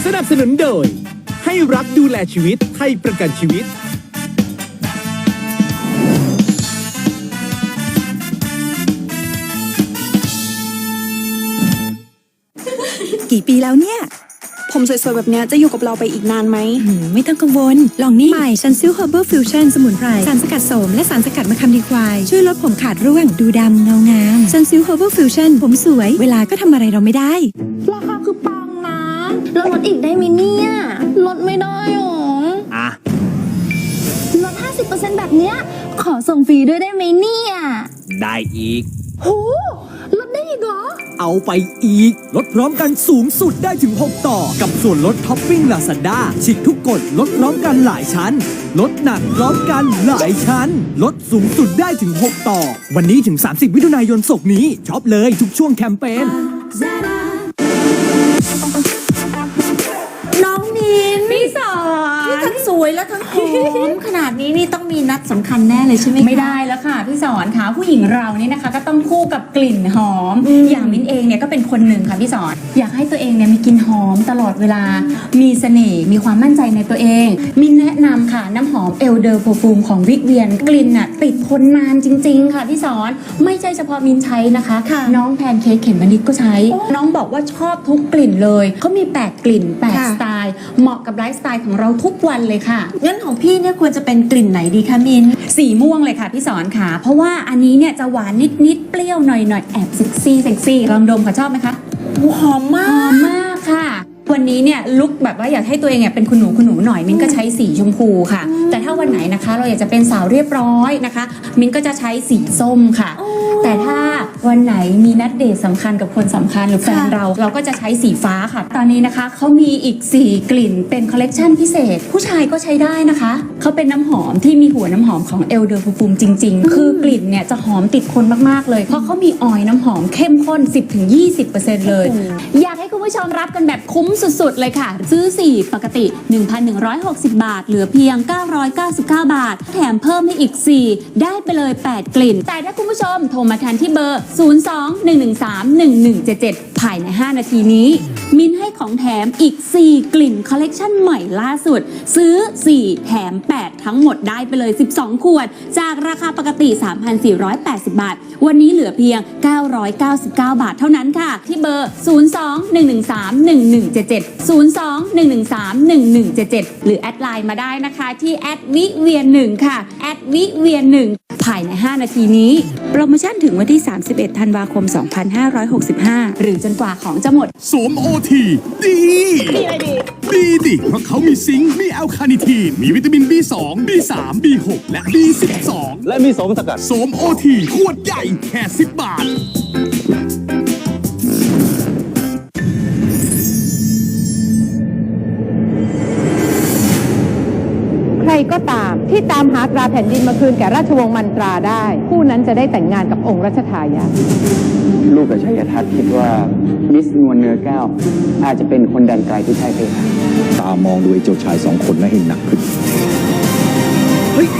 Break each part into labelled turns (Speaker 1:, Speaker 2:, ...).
Speaker 1: สนับสนุนโดยให้รักดูแลชีวิตไทยประกันชีวิต
Speaker 2: กี่ปีแล้วเนี่ย
Speaker 3: ผมสวยๆแบบนี้จะอยู่กับเราไปอีกนานไหม
Speaker 2: ไม่ต้องกังวลลองนี่ใหม่ซันซิล Herbal Fusion สมุนไพรสารสกัดโสมและสารสกัดมะขามดีควายช่วยลดผมขาดร่วงดูดำเงางามซันซิล Herbal Fusion ผมสวยเวลาก็ทำอะไรเราไม่ได้
Speaker 3: ราคาคือปังนะแล้วลดอีกได้ไหมเนี่ยลดไม่ได้หรอลด 50% แบบเนี้ยขอส่งฟรีด้วยได้ไหมเนี่ย
Speaker 1: ได้อีก
Speaker 3: โหลดได้อีกเหรอ
Speaker 1: เอาไปอีกลดพร้อมกันสูงสุดได้ถึง6ต่อกับส่วนลดท็อปปิ้ง Lazada ฉีกทุกกฎลดพร้อมกันหลายชั้นลดหนักพร้อมกันหลายชั้นลดสูงสุดได้ถึง6ต่อวันนี้ถึง30มิถุนายนศกนี้ช็อปเลยทุกช่วงแคมเปญ
Speaker 4: น้องนินพี่สอนที่ทั้งสวยและทั้งหอมขนาดนี้นี่ต้องมีนัดสำคัญแน่เลยใช่ไหมคะ
Speaker 5: ไม่ได้แล้วค่ะพี่สอนค่ะผู้หญิงเรานี่นะคะก็ต้องคู่กับกลิ่นหอมอย่างมิ้นเองเนี่ยก็เป็นคนหนึ่งค่ะพี่สอนอยากให้ตัวเองเนี่ยมีกลิ่นหอมตลอดเวลามีเสน่ห์มีความมั่นใจในตัวเองมิ้นแนะนำค่ะน้ำหอมเอลเดอร์โปรฟูมของวิกเวียนกลิ่นน่ะติดทนนานจริงๆค่ะพี่สอนไม่ใช่เฉพาะมิ้นใช้นะคะน้องแพนเค้กเขมมะนิดก็ใช้น้องบอกว่าชอบทุกกลิ่นเลยเขามี8กลิ่น8สไตล์เหมาะกับไลฟ์สไตล์ของเราทุกวันเลยค่ะ
Speaker 4: งั้นของพี่เนี่ยควรจะเป็นกลิ่นไหนดีคะมิน
Speaker 5: สีม่วงเลยค่ะพี่สอนค่ะเพราะว่าอันนี้เนี่ยจะหวานนิดๆเปรี้ยวหน่อยๆแอบเซ็กซี่ลองดมค่ะชอบไหมคะ
Speaker 4: หอมม
Speaker 5: ากค่ะวันนี้เนี่ยลุคแบบว่าอยากให้ตัวเองเนี่ยเป็นคุณหนูหน่อยมิ้นก็ใช้สีชมพูค่ะแต่ถ้าวันไหนนะคะเราอยากจะเป็นสาวเรียบร้อยนะคะมิ้นก็จะใช้สีส้มค่ะแต่ถ้าวันไหนมีนัดเดทสำคัญกับคนสำคัญหรือแฟนเราก็จะใช้สีฟ้าค่ะตอนนี้นะคะเขามีอีก4กลิ่นเป็นคอลเลกชันพิเศษผู้ชายก็ใช้ได้นะคะเขาเป็นน้ำหอมที่มีหัวน้ำหอมของเอลเดอร์ฟูมจริงๆคือกลิ่นเนี่ยจะหอมติดคนมากๆเลยเพราะเขามีออยล์น้ำหอมเข้มข้น 10-20% เลยอยากให้คุณผู้ชมรับกันแบบคุ้มสุดๆเลยค่ะซื้อ4ปกติ 1,160 บาทเหลือเพียง999 บาทแถมเพิ่มให้อีก4ได้ไปเลย8กลิ่นแต่ถ้าคุณผู้ชมโทรมาทันที่เบอร์02-113-1177ภายใน5นาทีนี้มินให้ของแถมอีก4กลิ่นคอลเลกชันใหม่ล่าสุดซื้อ4แถม8ทั้งหมดได้ไปเลย12ขวดจากราคาปกติ 3,480 บาทวันนี้เหลือเพียง999 บาทเท่านั้นค่ะที่เบอร์02-113-1177 02-113-1177 หรือแอดไลน์มาได้นะคะที่@วิเวียน1ค่ะ@วิเวียน1ภายใน5นาทีนี้โปรโมชั่นถึงวันที่31ธันวาคม2565หรือจนกว่าของจะหมด
Speaker 6: โสมโอทีดีอะไรดีดิเพราะเขามีซิงค์มีแอลคาเนิทีนมีวิตามิน B2 B3 B6 และ B12
Speaker 7: และมีโสมสกัด
Speaker 6: โสมโอทีขวดใหญ่แค่10 บาท
Speaker 8: ใครก็ตามที่ตามหาตราแผ่นดินมาคืนแก่ราชวงศ์มันตราได้ผู้นั้นจะได้แต่งงานกับองค์รัชทายาท
Speaker 7: ลูกกับชัยทัศน์คิดว่ามิสนวลเนื้อแก้วอาจจะเป็นคนแดนไกลที่ใช่เพคะ
Speaker 9: ตามองดูไอ้เจ้าชาย2 คนนั้นให้หนักขึ้นเฮ้ย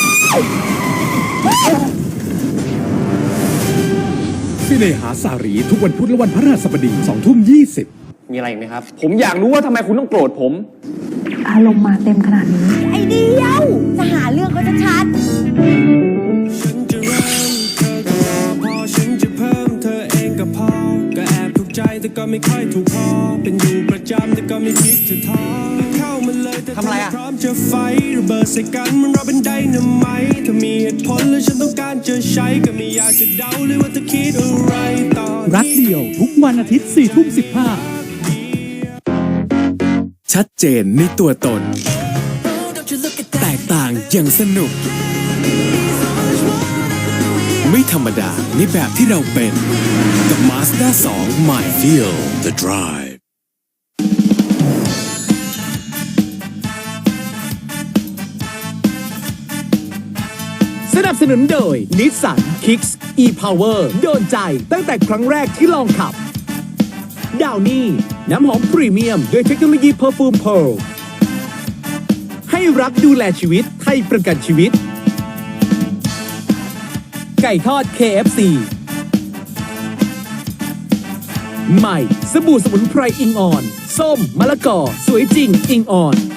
Speaker 6: ที่ในหาสารีทุกวันพุธและวันพฤหัสบดี20:20
Speaker 7: มีอะไรอีกไหมครับผมอยากรู้ว่าทำไมคุณต้องโกรธผม
Speaker 4: อารมณ์มาเต็มขนาดนี้
Speaker 2: ไอเดียวจะหาเรื่องก็จะชัด
Speaker 10: ฉันจะเริ่มเธอก็รอพอฉันจะเพิ่มเธอเองก็พอก็แอบถูกใจแต่ก็ไม่ค่อยถูกพอเป็นอยู่ประจำแต่ก็ไม่คิดจะท้อเข้ามาเลยทำอะไรพร้อมจะไฟระเบิดใส่กันมันเราเป็นไดนาไมต์ถ้ามีเหตุผลและฉันต้องการจะใช้ก็ไม่อยากจะเดาเลยว่าจะคิดอะไรต่อ
Speaker 1: รักเดียวทุกวันอาทิตย์ 4:15
Speaker 6: ชัดเจนในตัวตนแตกต่างอย่างสนุกไม่ธรรมดาในแบบที่เราเป็นกับ Mazda 2 My Feel the Drive
Speaker 1: สนับสนุนโดย Nissan Kicks e-Power โดนใจตั้งแต่ครั้งแรกที่ลองขับดาวนี่น้ำหอมพรีเมียมด้วยเทคโนโลยีเพอร์ฟูมเพร์ลให้รักดูแลชีวิตไทยประกันชีวิตไก่ทอด KFC ใหม่สบู่สมุนไพรอิงออนโซส้มมะละกอสวยจริงอิงอ่อน